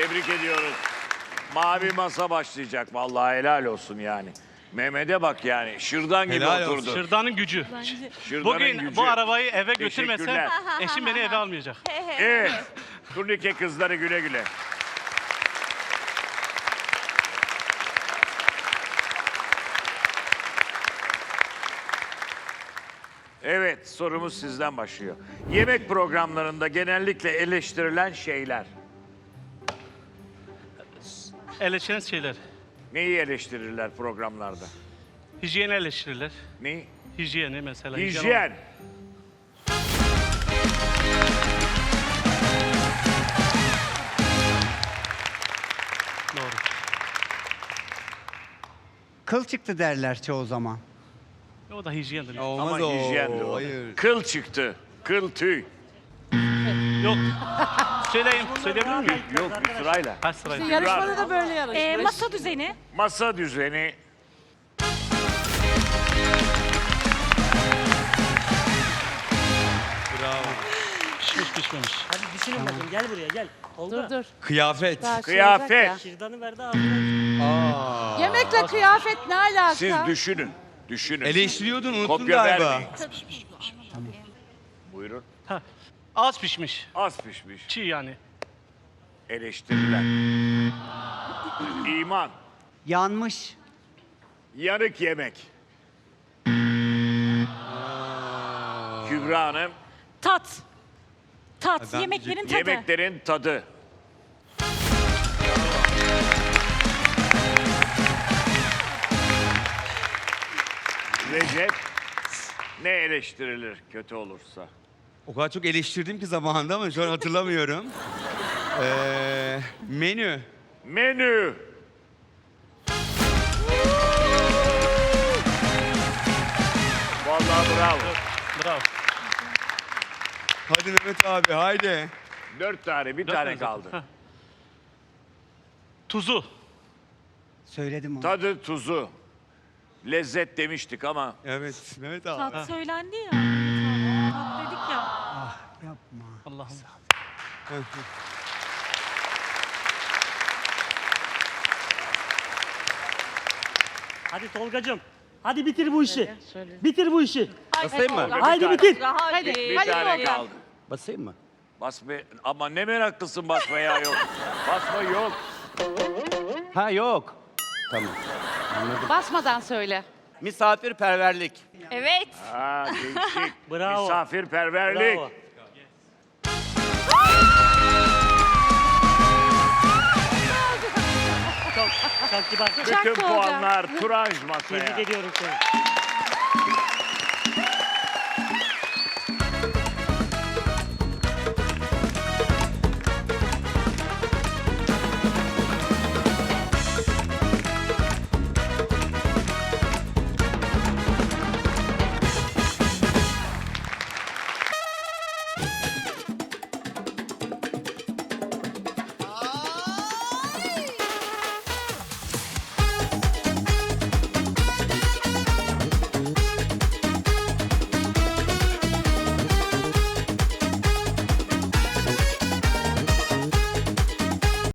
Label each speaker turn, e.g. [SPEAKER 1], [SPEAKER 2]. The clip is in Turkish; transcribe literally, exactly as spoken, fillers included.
[SPEAKER 1] Tebrik ediyoruz. Mavi masa başlayacak. Vallahi helal olsun yani. Mehmet'e bak yani. Şırdan gibi
[SPEAKER 2] Helal olsun.
[SPEAKER 1] oturdu.
[SPEAKER 3] Şırdanın gücü.
[SPEAKER 1] Şırdanın
[SPEAKER 3] Bugün
[SPEAKER 1] gücü.
[SPEAKER 3] bu arabayı eve götürmesem
[SPEAKER 1] Teşekkürler.
[SPEAKER 3] eşim beni eve almayacak.
[SPEAKER 1] Evet. Turnike kızları güle güle. Evet, sorumuz sizden başlıyor. Yemek programlarında genellikle eleştirilen şeyler.
[SPEAKER 3] Eleştiren şeyler.
[SPEAKER 1] Neyi eleştirirler programlarda?
[SPEAKER 3] Hijyeni eleştirirler.
[SPEAKER 1] Neyi?
[SPEAKER 3] Hijyeni mesela.
[SPEAKER 1] Hijyen.
[SPEAKER 3] Doğru.
[SPEAKER 4] Kıl çıktı derler çoğu zaman.
[SPEAKER 3] O da hijyendir.
[SPEAKER 2] Olmaz
[SPEAKER 1] Ama
[SPEAKER 2] o.
[SPEAKER 1] hijyendi o.
[SPEAKER 2] Hayır.
[SPEAKER 1] Kıl çıktı. Kıl tüy.
[SPEAKER 3] Yok. Söyleyeyim. Söyleyebilir miyim?
[SPEAKER 1] Yok bir sırayla.
[SPEAKER 3] Kaç sırayı?
[SPEAKER 5] Yarışmada da böyle yarış.
[SPEAKER 6] Ee, masa düzeni.
[SPEAKER 1] Masa düzeni.
[SPEAKER 2] Bravo.
[SPEAKER 3] Pişmiş pişmemiş.
[SPEAKER 5] Hadi düşünün bakayım gel buraya gel. Oldu
[SPEAKER 7] Dur
[SPEAKER 5] mu?
[SPEAKER 7] dur.
[SPEAKER 2] Kıyafet.
[SPEAKER 7] Daha şey
[SPEAKER 1] Kıyafet.
[SPEAKER 7] olacak ya.
[SPEAKER 5] Şırdanı verdi ağzına.
[SPEAKER 2] Aa.
[SPEAKER 7] Yemekle kıyafet ne alaka?
[SPEAKER 1] Siz düşünün. Düşünün.
[SPEAKER 2] Eleştiriyordun, unuttun
[SPEAKER 1] Kopya
[SPEAKER 2] galiba.
[SPEAKER 1] vermeyin. Buyurun.
[SPEAKER 3] Az pişmiş.
[SPEAKER 1] Az pişmiş.
[SPEAKER 3] Çiğ yani.
[SPEAKER 1] Eleştirilen. İman.
[SPEAKER 4] Yanmış.
[SPEAKER 1] Yanık yemek. Kübra Hanım.
[SPEAKER 6] Tat. Tat.
[SPEAKER 2] Ben
[SPEAKER 6] Yemeklerin tadı.
[SPEAKER 1] Yemeklerin tadı. Recep. Ne eleştirilir kötü olursa?
[SPEAKER 2] O kadar çok eleştirdim ki zamanında ama şu an hatırlamıyorum. ee, menü.
[SPEAKER 1] Menü. Vallahi bravo.
[SPEAKER 3] Bravo.
[SPEAKER 2] Hadi Mehmet abi, haydi.
[SPEAKER 1] Dört tane, bir
[SPEAKER 3] Dört
[SPEAKER 1] tane
[SPEAKER 3] tane
[SPEAKER 1] kaldı.
[SPEAKER 3] zaten. Heh. Tuzu.
[SPEAKER 4] Söyledim onu.
[SPEAKER 1] Tadı, tuzu. Lezzet demiştik ama
[SPEAKER 2] Evet, Mehmet abi.
[SPEAKER 6] Tat söylendi ya. Tat dedik ya.
[SPEAKER 4] Yapma.
[SPEAKER 3] Allah'ım.
[SPEAKER 5] Hadi Tolgacığım. Hadi bitir bu işi.
[SPEAKER 7] Şöyle, şöyle.
[SPEAKER 5] Bitir bu işi.
[SPEAKER 7] Basayım mı?
[SPEAKER 5] Haydi bitir.
[SPEAKER 7] Hadi.
[SPEAKER 1] bir
[SPEAKER 7] Hadi
[SPEAKER 1] tane
[SPEAKER 7] Tolga.
[SPEAKER 1] kaldı.
[SPEAKER 8] Basayım mı?
[SPEAKER 1] Basma ama ne meraklısın basmaya yok. Basma yok.
[SPEAKER 8] Ha yok. Tamam.
[SPEAKER 7] Basmadan söyle.
[SPEAKER 8] Misafirperverlik.
[SPEAKER 6] Evet.
[SPEAKER 1] Ha değişik.
[SPEAKER 5] Bravo.
[SPEAKER 1] Misafirperverlik.
[SPEAKER 5] Bravo. Çok, çok kibar.
[SPEAKER 1] Bütün
[SPEAKER 7] Tolga.
[SPEAKER 1] puanlar Turanj masaya.
[SPEAKER 5] Tebrik ediyorum seni.